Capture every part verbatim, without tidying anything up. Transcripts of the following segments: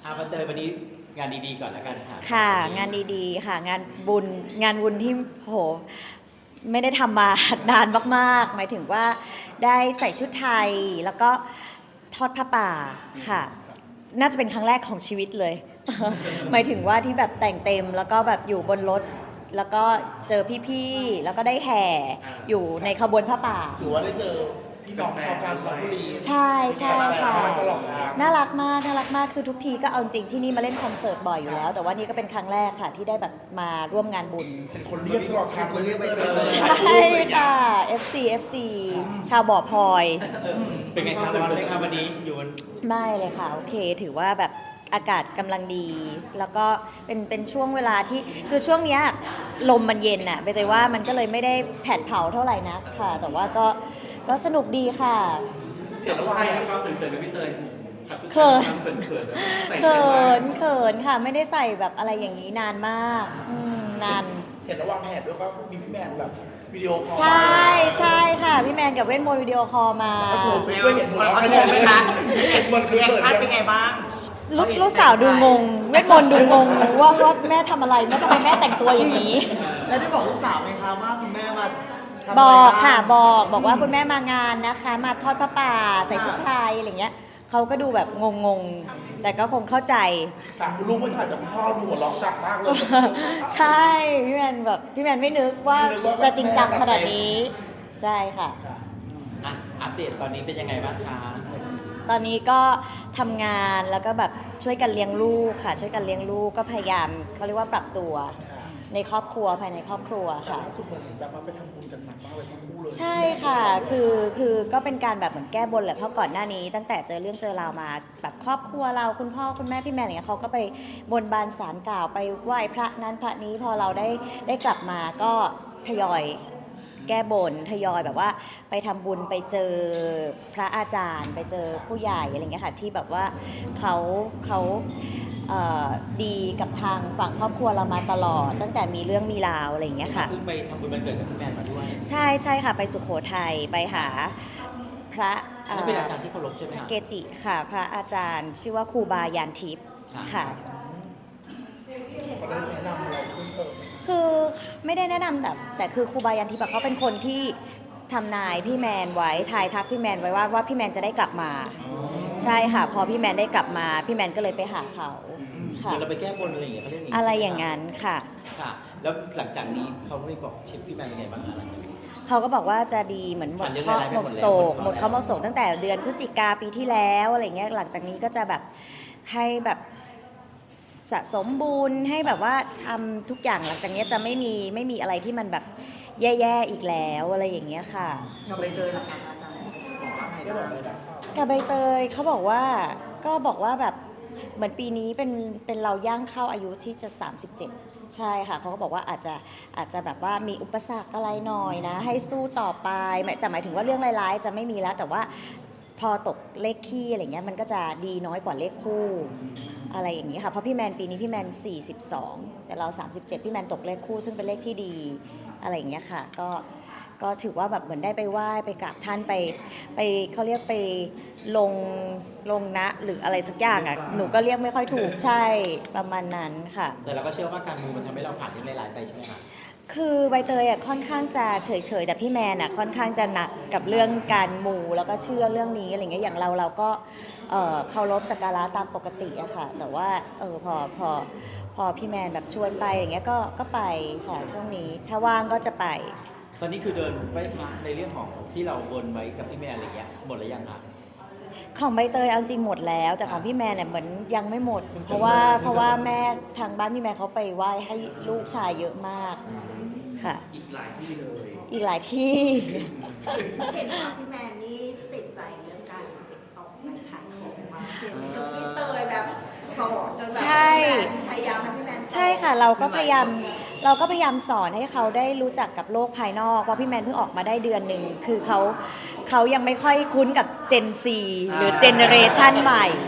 อาวันเตยวันนี้งานดีๆก่อนแล้วกันค่ะค่ะงานดีๆค่ะงานบุญงานบุญที่โหไม่ได้ทำมานานมากๆหมายถึงว่าได้ใส่ชุดไทยแล้วก็ทอดผ้าป่าค่ะน่าจะเป็นครั้งแรกของชีวิตเลย หมายถึงว่าที่แบบแต่งเต็มแล้วก็แบบอยู่บนรถแล้วก็เจอพี่ๆแล้วก็ได้แห่อยู่ในขบวนผ้าป่าถือว่าได้เจอพี่น้องชาวกาญจนบุรีใช่ใช่ค่ะตลอดทางน่ารักมากน่ารักมากคือทุกทีก็เอาจริงที่นี่มาเล่นคอนเสิร์ตบ่อยอยู่แล้ว แต่ว่านี่ก็เป็นครั้งแรกค่ะที่ได้แบบมาร่วมงานบุญเป็นคนเรียกตลอดทางเลยเรียกไปเลยใช่ค่ะ เอฟ ซี เอฟ ซี ชาวบ่อพลอยเป็นไงครับร้อนไหมครับวันนี้อยู่บนไม่เลยค่ะ โอเค ถือว่าแบบอากาศกำลังดี แล้วก็เป็นเป็นช่วงเวลาที่คือช่วงเนี้ยลมมันเย็นน่ะไปเลยว่ามันก็เลยไม่ได้แผดเผาเท่าไหร่นักค่ะ แต่ว่าก็ก็สนุกดีค่ะเห็นแล้วว่าใครครับเขินๆกับพี่เตยเขินเขินเขินเขินเขินค่ะ ไม่ได้ใส่แบบอะไรอย่างนี้นานมากอืมนานเห็นแล้ววางแผนด้วยว่ามีพี่แมนแบบวิดีโอคอลใช่ใช่ค่ะ พี่แมนกับเวทมนต์วิดีโอคอลมาก็โชว์ชุดด้วยเห็นหมดแล้วเขาโชว์ไหมคะเห็นหมดคือแอคเปิดชั่นเป็นไงบ้างลูกลูกสาวดูงง เวทมนต์ดูงงว่าว่าแม่ทำอะไรแม่ทำไมแม่แต่งตัวอย่างนี้แล้วได้บอกลูกสาวไหมคะว่าคุณแม่มาทำอะไรบอกางค่ะบอกบอกว่าคุณแม่มางานนะคะ มาทอดผ้าป่าใส่ชุดไทยอะไรเงี้ยเขาก็ดูแบบงงๆ แต่ก็คงเข้าใจแต่คุณลูกไม่ถ่ายแต่คุณพ่อดูหัวเร้องจักมากเลยใช่พี่แมนแบบพี่แมนไม่นึกว่าไม่นึกว่าจะจริงจังขนาดนี้ ใช่ค่ะอ่ะอัปเดตตอนนี้เป็นยังไงบ้างคะตอนนี้ก็ทำงานแล้วก็แบบช่วยกันเลี้ยงลูกค่ะ ช่วยกันเลี้ยงลูกก็พยายามเขาเรียกว่าปรับตัวในครอบครัวภายในครอบครัวแต่ค่ะล่าสุดเหมือนแบบว่าไปทำบุญกันหนักมากเลยทั้งคู่เลยใช่ค่ะ คือคือก็เป็นการแบบเหมือนแก้บนแหละเพราะก่อนหน้านี้ตั้งแต่เจอเรื่องเจอราวมาแบบครอบครัวเราคุณพ่อคุณแม่พี่แม่อะไรเงี้ยเขาก็ไปบนบานศาลกล่าวไปไหว้พระนั้นพระนี้พอเราได้ได้กลับมาก็ทยอยแก้บนทยอยแบบว่าไปทำบุญไปเจอพระอาจารย์ ไปเจอผู้ใหญ่อะไรเงี้ยค่ะที่แบบว่าเขาเขาเอ่อดีกับทางฝั่งครอบครัวเรามาตลอด ตั้งแต่มีเรื่องมีราวอะไรอย่างเงี้ยค่ะเพิ่งไปทำบุญวันเกิดกับพี่แมนมาด้วยใช่ใช่ค่ะ ไปสุโขทัยไปหาพระเอ่อนั่นเป็นอาจารย์ที่เคารพใช่ไหมคะเกจิค่ะ พระอาจารย์ ชื่อว่าครูบายานทิพย์ค่ะเขาได้แนะนำอะไรเพิ่มเติมคือไม่ได้แนะนำแต่แต่คือครูบายานทิพย์อะเขาเป็นคนที่ทำนายพี่แมนไว้ทายทักพี่แมนไว้ว่าว่าพี่แมนจะได้กลับมา ใช่ค่ะ พอพี่แมนได้กลับมา พี่แมนก็เลยไปหาเขาเหค่ะมือนเราไปแก้บนอะไรอย่างเงี้ยเขาเรียกอะไรอย่างนั้นค่ะค่ะ แล้วหลังจากนี้เขาไม่บอกเชฟพี่แมนเป็นไงบ้างคะหลังจากนี้เขาก็บอกว่าจะดีเหมือนหมดผ่านเรื่องเคราะห์ร้ายๆหมดไปหมดแล้วโศกหหมมดดแล้วเคราะห์หมดโศกตั้งแต่เดือนพฤศจิกาปีที่แล้วอะไรเงี้ยหลังจากนี้ก็จะแบบให้แบบสะสมบุญให้แบบว่าทำทุกอย่างหลังจากนี้จะไม่มีไม่มีอะไรที่มันแบบแย่ๆอีกแล้วอะไรอย่างเงี้ยค่ะกับใบเตยนะคะอาจารย์บอกว่าไงได้บอกบ้างเลยนะกับใบเตยเขาบอกว่าก็บอกว่าแบบเหมือนปีนี้เป็นเป็นเราย่างเข้าอายุที่จะสามสิบเจ็ดใช่ค่ะเขาก็บอกว่าอาจจะอาจจะแบบว่ามีอุปสรรคอะไรหน่อยนะ ให้สู้ต่อไปหมายแต่หมายถึงว่าเรื่องร้ายๆจะไม่มีแล้ว แต่ว่าพอตกเลขคี่อะไรเงี้ยมันก็จะดีน้อยกว่าเลขคู่อะไรอย่างนี้ค่ะเพราะพี่แมนปีนี้พี่แมนสี่สิบสองแต่เราสามสิบเจ็ดพี่แมนตกเลขคู่ซึ่งเป็นเลขที่ดีอะไรอย่างเงี้ยค่ะก็ก็ถือว่าแบบเหมือนได้ไปไหว้ไปกราบท่านไปไปเขาเรียกไปลงลงนะหรืออะไรสักอย่างอ่ะหนูก็เรียกไม่ค่อยถูกใช่ประมาณนั้นค่ะแต่เราก็เชื่อว่าการมูมันทำให้เราผ่านเรื่องร้ายๆไปใช่ไหมคะคือใบเตยอ่ะค่อนข้างจะเฉยๆแต่พี่แมนอ่ะค่อนข้างจะหนักกับเรื่องการมูแล้วก็เชื่อเรื่องนี้อะไรเงี้ยอย่างเราเราก็เอ่อเคารพสักการะตามปกติอะค่ะ แต่ว่าเออพอพอพอพี่แมนแบบชวนไปอย่างเงี้ยก็ก็ไปค่ะช่วงนี้ถ้าว่างก็จะไปตอนนี้คือเดินไหว้พระในเรื่องของที่เราบนไว้กับพี่แมนอะไรเงี้ยหมดหรือยังคะของใบเตยเอาจริงหมดแล้ว แต่ของพี่แมนเนี่ยเหมือนยังไม่หมด เพราะว่าเพราะว่าแม่ทางบ้านพี่แมนเขาไปไหว้ให้ลูกชายเยอะมากค่ะอีกหลายที่เลยอีกหลายที่เห็นว่าพี่แมนนี่ติดใจเรื่องการติดต่อไปขายของมากเห็นกับพี่เตยแบบสอนจนแบบใช่พยายามให้พี่แมนสอนใช่ค่ะเราก็พยายามเราก็พยายามสอนให้เขาได้รู้จักกับโลกภายนอกเพราะพี่แมนเพิ่งออกมาได้เดือนหนึ่งคือเขาเขายังไม่ค่อยคุ้นกับ Gen Z หรือเจเนอเรชันใหม่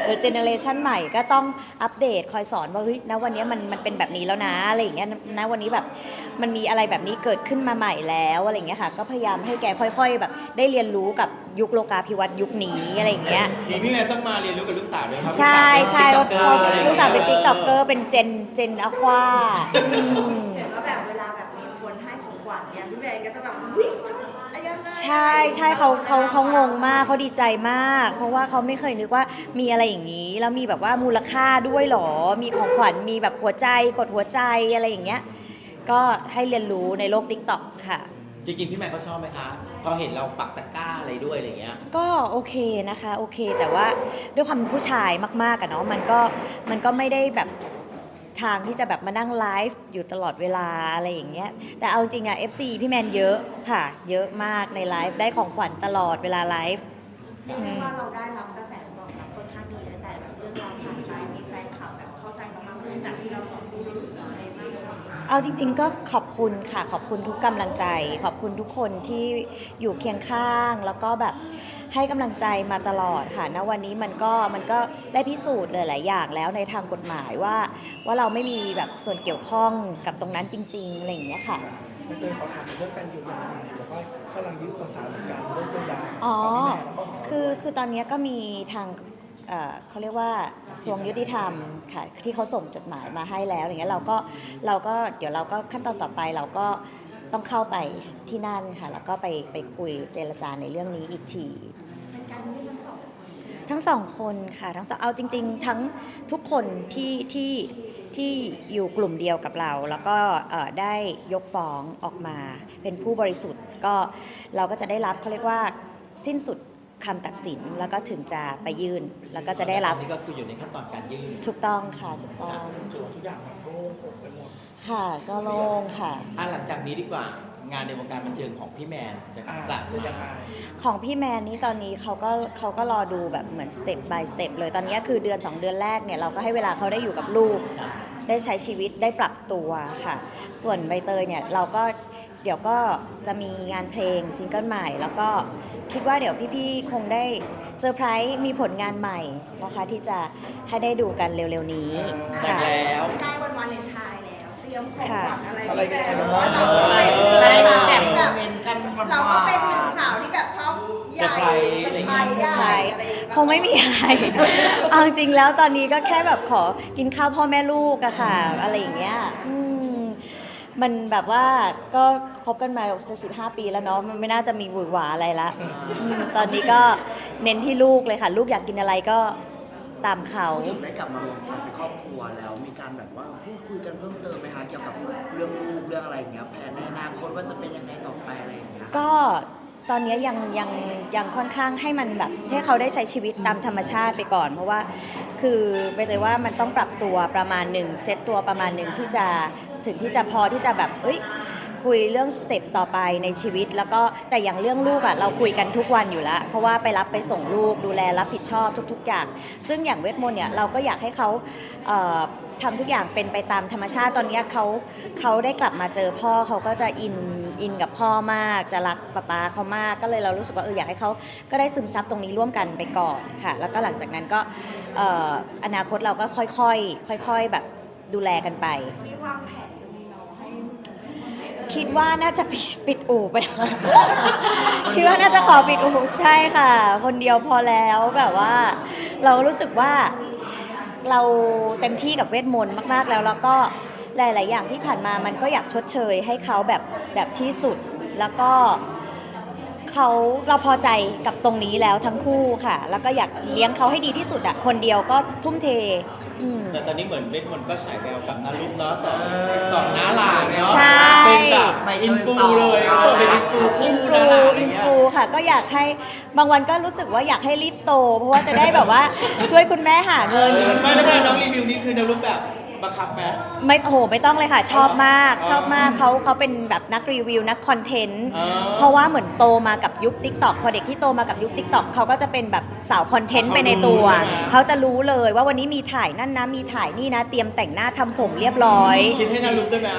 อเจเนอเรชันใหม่ก็ต้องอัปเดตคอยสอนว่าเฮ้ยณวันนี้มันมันเป็นแบบนี้แล้วนะอะไรอย่างเงี้ยณวันนี้แบบมันมีอะไรแบบนี้เกิดขึ้นมาใหม่แล้วอะไรอย่างเงี้ยค่ะก็พยายามให้แกค่อยๆแบบได้เรียนรู้กับยุคโลกาภิวัตน์ยุคนี้อะไรอย่างเงี้ยมีพี่แม่ต้องมาเรียนรู้กับลูกสาวด้วยครัใช่ใช่เพราะลูกสาวเป็น TikToker ลูกสาวเป็นติ๊กต็อกเกอร์เป็นเจนเจนอควาเห็นว่าแบบเวลาแบบมีคนให้ของขวัญเนี่ยพี่แมนก็จะแบบวิ่งอะไรยังไงใช่ใช่เขาเขาเขางงมากเขาดีใจมาก เพราะว่าเขาไม่เคยนึกว่ามีอะไรอย่างนี้ แล้วมีแบบว่ามูลค่าด้วยเหรอ มีของขวัญมีแบบหัวใจกดหัวใจอะไรอย่างเงี้ยก็ให้เรียนรู้ในโลกติ๊กต็อกค่ะจริงๆพี่แม่เขาชอบไหมคะพอเห็นเราปักตะกร้าอะไรด้วยอะไรเงี้ยก็โอเคนะคะโอเค แต่ว่าด้วยความเป็นผู้ชายมากๆอะเนาะมันก็มันก็ไม่ได้แบบทางที่จะแบบมานั่งไลฟ์อยู่ตลอดเวลาอะไรอย่างเงี้ยแต่เอาจริงอะ เอฟ ซี พี่แมนเยอะค่ะ เยอะมากในไลฟ์ได้ของขวัญตลอดเวลาไลฟ์เรียกได้ว่าเราได้รับกระแสตอบรับค่อนข้างดีตั้งแต่แบบเรื่องราวผ่านไปมีแฟนคลับแบบเข้าใจเรามากขึ้นจากที่เราต่อสู้เรารู้สึกอะไรบ้างเอาจริงๆก็ขอบคุณค่ะขอบคุณทุกกำลังใจ ขอบคุณทุกคนที่อยู่เคียงข้าง แล้วก็แบบให้กำลังใจมาตลอดค่ะณวันนี้มันก็มันก็ได้พิสูจน์หลายๆอย่างแล้วในทางกฎหมายว่าว่าเราไม่มีแบบส่วนเกี่ยวข้องกับตรงนั้นจริงๆอะไรอย่างเงี้ยค่ะไม่เคยขอถามเรื่องการเยียวยาแล้วก็กำลังยื่นขอสารเหมือนกันเรื่องเยียวยาอ๋อของพี่แม่แล้วก็ของเราคือ คือตอนนี้ก็มีทางเอ่อเขาเรียกว่ากระทรวงยุติธรรมค่ะ ที่เขาส่งจดหมายมาให้แล้ว อย่างเงี้ย เราก็ เราก็ เดี๋ยวเราก็ขั้นตอนต่อไปเราก็ต้องเข้าไปที่นั่นค่ะ แล้วก็ไป ไปคุยเจรจาในเรื่องนี้อีกทีเป็นการยื่นทั้งสองทั้งสองคนค่ะทั้งสองเอาจริง ๆ ทั้งทุกคนที่ที่ที่อยู่กลุ่มเดียวกับเรา แล้วก็เอ่อได้ยกฟ้องออกมาเป็นผู้บริสุทธิ์ก็เราก็จะได้รับเขาเรียกว่าสิ้นสุดคำตัดสินแล้วก็ถึงจะไปยื่น แล้วก็จะได้รับตอนนี้ก็คืออยู่ในขั้นตอนการยื่นถูกต้องค่ะถูกต้องถือว่าทุกอย่างมันโล่งอกไปหมดค่ะก็โล่งค่ะอ่ะหลังจากนี้ดีกว่างานในวงการบันเทิงของพี่แมนจะอ่ากลับจะยังไงมาของพี่แมนนี่ตอนนี้เขาก็เขาก็รอดูแบบเหมือนสเต็ป by สเต็ปเลยตอนนี้คือเดือน สอง เดือนแรกเนี่ยเราก็ให้เวลาเขาได้อยู่กับลูก ได้ใช้ชีวิตได้ปรับตัวค่ะ ส่วนใบเตยเนี่ยเราก็เดี๋ยวก็จะมีงานเพลงซิงเกิลใหม่ แล้วก็คิดว่าเดี๋ยวพี่ๆคงได้เซอร์ไพรส์มีผลงานใหม่นะคะที่จะให้ได้ดูกันเร็วๆนี้แต่งค่ะแล้วใกล้วันวาเลนไทน์แล้วเตรียมของขวัญอะไรอะไรพี่แมกันนบ้างเราก็เป็นจะได้สาวแจกแบโมบเมนต์กันหวานๆเราก็เป็นหนึ่งสาวที่แบบชอบใหญ่เซอร์ไพรส์ใหญ่อะไรอย่างเงี้ยคงไม่มีอะไร เอาจริงๆแล้วตอนนี้ก็แค่แบบขอกินข้าวพ่อแม่ลูกอะค่ะ อะไรอย่างเงี้ยอืมมันแบบว่าก็คบกันมาจะสิบห้าปีแล้วเนาะ มันไม่น่าจะมีหวือหวาอะไรละอืมตอนนี้ก็เน้นที่ลูกเลยค่ะ ลูกอยากกินอะไรก็ตามเขาพูดถึงได้กลับมารวมกันเป็นครอบครัวแล้วมีการแบบว่าพูดคุยกันเพิ่มเติมไหมคะเกี่ยวกับเรื่องลูกเรื่องอะไรอย่างเงี้ยแผนในอนาคตว่าจะเป็นยังไงต่อไปอะไรอย่างเงี้ยก็ตอนนี้ยังยังยังค่อนข้างให้มันแบบให้เขาได้ใช้ชีวิตตามธรรมชาติไปก่อน เพราะว่าคือไปเลยว่ามันต้องปรับตัวประมาณหนึ่งเซตตัวประมาณหนึ่งที่จะถึงที่จะพอที่จะแบบเอ้ยคุยเรื่องสเต็ปต่อไปในชีวิต แล้วก็แต่อย่างเรื่องลูกอ่ะเราคุยกันทุกวันอยู่แล้ว เพราะว่าไปรับไปส่งลูกดูแลรับผิดชอบทุก ๆ อย่าง ซึ่งอย่างเวทมนต์เนี่ยเราก็อยากให้เขาเอ่อทำทุกอย่างเป็นไปตามธรรมชาติตอนนี้เขาเขาได้กลับมาเจอพ่อเขาก็จะอินอินกับพ่อมากจะรักป๊าป๊าเขามากก็เลยเรารู้สึกว่าเอออยากให้เขาก็ได้ซึมซับตรงนี้ร่วมกันไปก่อนค่ะ แล้วก็หลังจากนั้นก็เอ่ออนาคตเราก็ค่อยๆค่อยๆแบบดูแลกันไปมีวางแผนจะมีน้องให้คิดว่าน่าจะปิดปิดอู่ไปแล้ว คิดว่าน่าจะขอปิดอู่ใช่ค่ะ คนเดียวพอแล้วแบบว่า เรารู้สึกว่าเราเต็มที่กับเวทมนต์มากๆแล้ว แล้วก็หลาย ๆ อย่างที่ผ่านมามันก็อยากชดเชยให้เขาแบบแบบที่สุด แล้วก็เขาเราพอใจกับตรงนี้แล้วทั้งคู่ค่ะ แล้วก็อยากเลี้ยงเขาให้ดีที่สุดอะคนเดียวก็ทุ่มเทอืมแต่ตอนนี้เหมือนเวทมนต์ก็ฉายแววกับนารุกเนาะสองสองน้าหลานเนาะใช่เป็นแบบอินฟูเลยเออเป็นอินฟูอิคู่นฟูน้าหลานอะไรอินเงี้ยฟูค่ะก็อยากให้บางวันก็รู้สึกว่าอยากให้รีบโต เพราะว่าจะได้แบบว่าช่วยคุณแม่หาเงินไม่แล้วเวลาน้องรีวิวนี่คือนารุกแบบบังคับไหมไม่โอ้โหไม่ต้องเลยค่ะ ชอบมากชอบมากเขาเขาเป็นแบบนักรีวิวนักคอนเทนต์อ๋อเพราะว่าเหมือนโตมากับยุค ติ๊กต็อก พอเด็กที่โตมากับยุค ติ๊กต็อก เขาก็จะเป็นแบบสาวคอนเทนต์ไปในตัว เขาจะรู้เลยว่าวันนี้มีถ่ายนั่นนะมีถ่ายนี่นะ เตรียมแต่งหน้าทำผมเรียบร้อยคิดให้นารุกด้วยไหม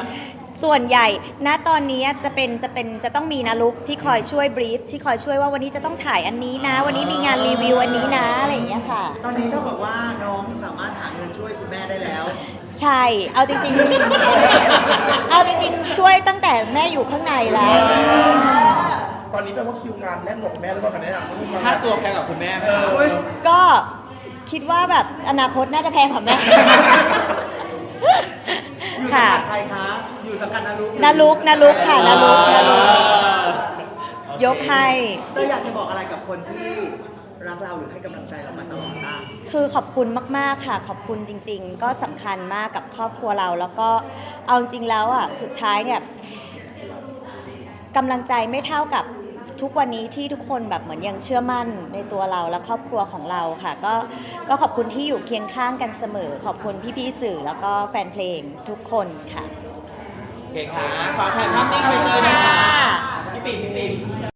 ส่วนใหญ่ณตอนนี้จะเป็นจะเป็นจะต้องมีนะลุกที่คอยช่วยบรีฟที่คอยช่วยว่าวันนี้จะต้องถ่ายอันนี้นะ วันนี้มีงานรีวิวอันนี้นะอะไรอย่างเงี้ยค่ะตอนนี้ต้องบอกว่าน้องสามารถหาเงินช่วยคุณแม่ได้แล้วใช่ เอาจริงๆ เอาจริงๆ ช่วยตั้งแต่แม่อยู่ข้างในแล้วตอนนี้แปลว่าคิวงานแน่นหมดแม่หรือเปล่าคะเนี่ยค่าตัวแพงกว่าคุณแม่ไหมครับก็คิดว่าแบบอนาคตน่าจะแพงกว่าแม่อยู่สังค่ะกัดใครคะ อยู่สังกัดนารุกนาลุกนาลุกค่ะนาลุกนาลุกยกให้เต้ยอยากจะบอกอะไรกับคนที่รักเราหรือให้กำลังใจเรามาตลอดบ้างคือขอบคุณมาก ๆ ค่ะ ขอบคุณจริง ๆ ก็สำคัญมากกับครอบครัวเรา แล้วก็เอาจริงแล้วอ่ะสุดท้ายเนี่ยกำลังใจไม่เท่ากับทุกวันนี้ที่ทุกคนแบบเหมือนยังเชื่อมั่นในตัวเราและครอบครัวของเราค่ะ ก็ก็ขอบคุณที่อยู่เคียงข้างกันเสมอ ขอบคุณพี่ๆสื่อแล้วก็แฟนเพลงทุกคนค่ะโอเคค่ะ ขอถ่ายภาพนิ่งไปเจอหน่อยค่ะพี่ปิ่มพี่ปิ่ม